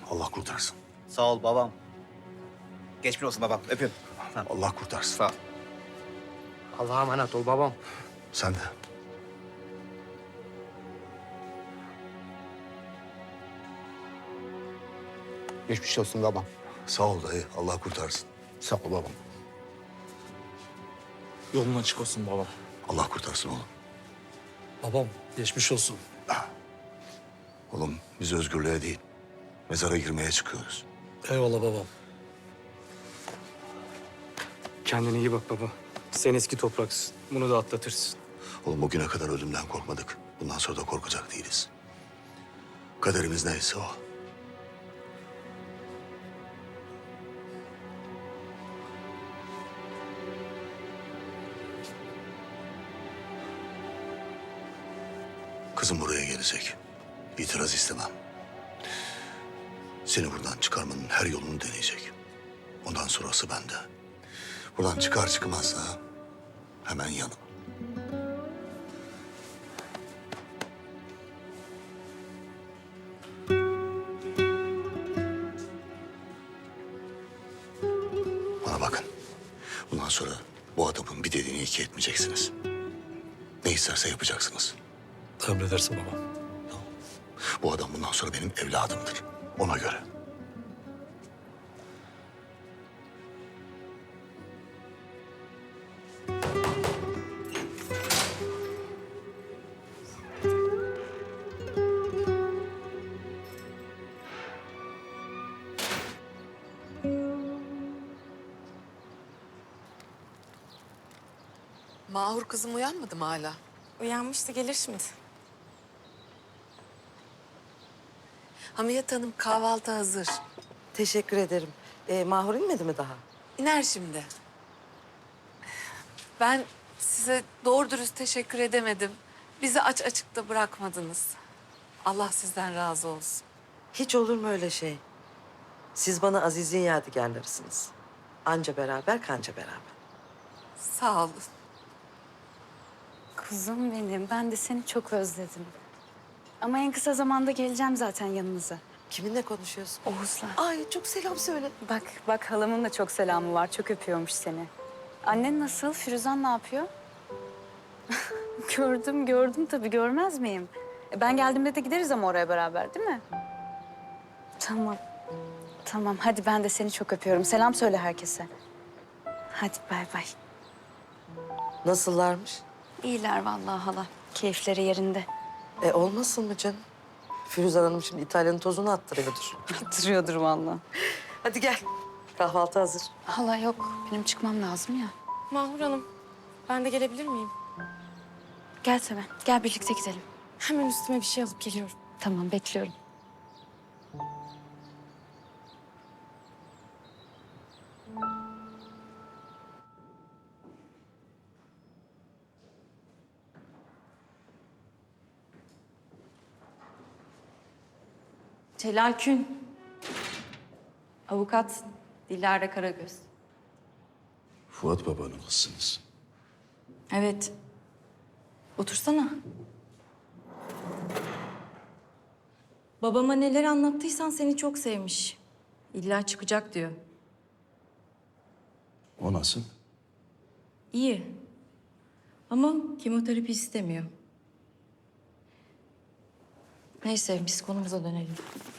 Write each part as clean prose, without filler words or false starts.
Allah kurtarsın. Sağ ol babam. Geçmiş olsun babam. Öpüyorum. Allah kurtarsın. Sağ ol. Allah'a emanet ol babam. Sen de. Geçmiş olsun babam. Sağ ol dayı. Allah kurtarsın. Sağ ol babam. Yolun açık olsun babam. Allah kurtarsın oğlum. Babam geçmiş olsun. Oğlum biz özgürlüğe değil, mezara girmeye çıkıyoruz. Eyvallah babam. Kendine iyi bak baba. Sen eski topraksın. Bunu da atlatırsın. Oğlum bugüne kadar ölümden korkmadık. Bundan sonra da korkacak değiliz. Kaderimiz neyse o. Kızım buraya gelecek. İtiraz istemem. Seni buradan çıkarmanın her yolunu deneyecek. Ondan sonrası bende. Buradan çıkar çıkmazsa hemen yanım. Bana bakın. Bundan sonra bu adamın bir dediğini iki etmeyeceksiniz. Ne isterse yapacaksınız. Emredersin babam. Bu adam bundan sonra benim evladımdır. Ona göre. Mahur kızım uyanmadı mı hala? Uyanmıştı, gelir şimdi. Hamiyet Hanım kahvaltı hazır. Teşekkür ederim. Mahur inmedi mi daha? İner şimdi. Ben size doğru dürüst teşekkür edemedim. Bizi aç açıkta bırakmadınız. Allah sizden razı olsun. Hiç olur mu öyle şey? Siz bana Aziz'in yadigarlarısınız. Anca beraber, kanca beraber. Sağ olun. Kuzum benim, ben de seni çok özledim. Ama en kısa zamanda geleceğim zaten yanınıza. Kiminle konuşuyorsun? Oğuz'la. Ay çok selam söyle. Bak halamın da çok selamı var, çok öpüyormuş seni. Annen nasıl? Firuzan ne yapıyor? Gördüm tabii, görmez miyim? Ben geldiğimde de gideriz ama oraya beraber, değil mi? Tamam, hadi ben de seni çok öpüyorum. Selam söyle herkese. Hadi bay bay. Nasıllarmış? İyiler vallahi hala. Keyifleri yerinde. Olmasın mı canım? Firuzan Hanım şimdi İtalya'nın tozunu attırıyordur. Duruyordur vallahi. Hadi gel. Kahvaltı hazır. Hala yok. Benim çıkmam lazım ya. Mahur Hanım, ben de gelebilir miyim? Gel Seven. Gel birlikte gidelim. Hemen üstüme bir şey alıp geliyorum. Tamam bekliyorum. Celal Kün. Avukat Dilara Karagöz. Fuat babanın kızsınız. Evet. Otursana. Babama neler anlattıysan seni çok sevmiş. İlla çıkacak diyor. O nasıl? İyi. Ama kemoterapi istemiyor. Neyse biz konumuza dönelim.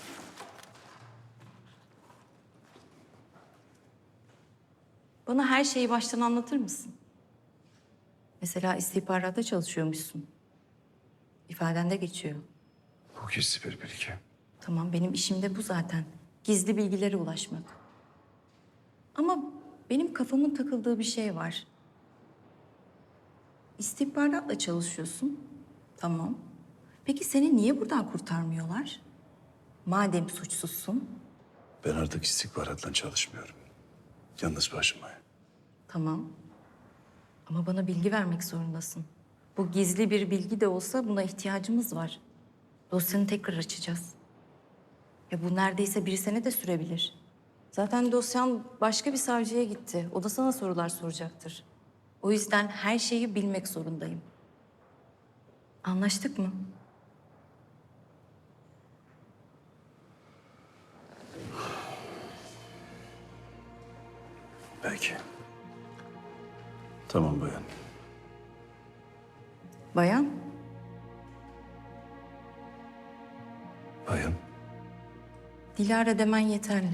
Bana her şeyi baştan anlatır mısın? Mesela istihbaratta çalışıyormuşsun. İfadende geçiyor. Bu gizli bir bilgi. Tamam, benim işim de bu zaten. Gizli bilgilere ulaşmak. Ama benim kafamın takıldığı bir şey var. İstihbaratla çalışıyorsun. Tamam. Peki seni niye buradan kurtarmıyorlar? Madem suçsuzsun. Ben artık istihbaratla çalışmıyorum. Yalnız başıma. Tamam. Ama bana bilgi vermek zorundasın. Bu gizli bir bilgi de olsa buna ihtiyacımız var. Dosyanı tekrar açacağız. Ya bu neredeyse bir sene de sürebilir. Zaten dosyan başka bir savcıya gitti. O da sana sorular soracaktır. O yüzden her şeyi bilmek zorundayım. Anlaştık mı? Belki. Tamam bayan. Bayan, Bayan. Dilara demen yeterli.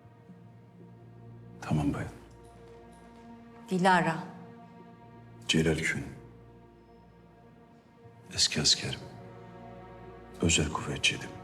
Tamam bayan. Dilara. Celal Kün. Eski askerim. Özel kuvvetçiydim.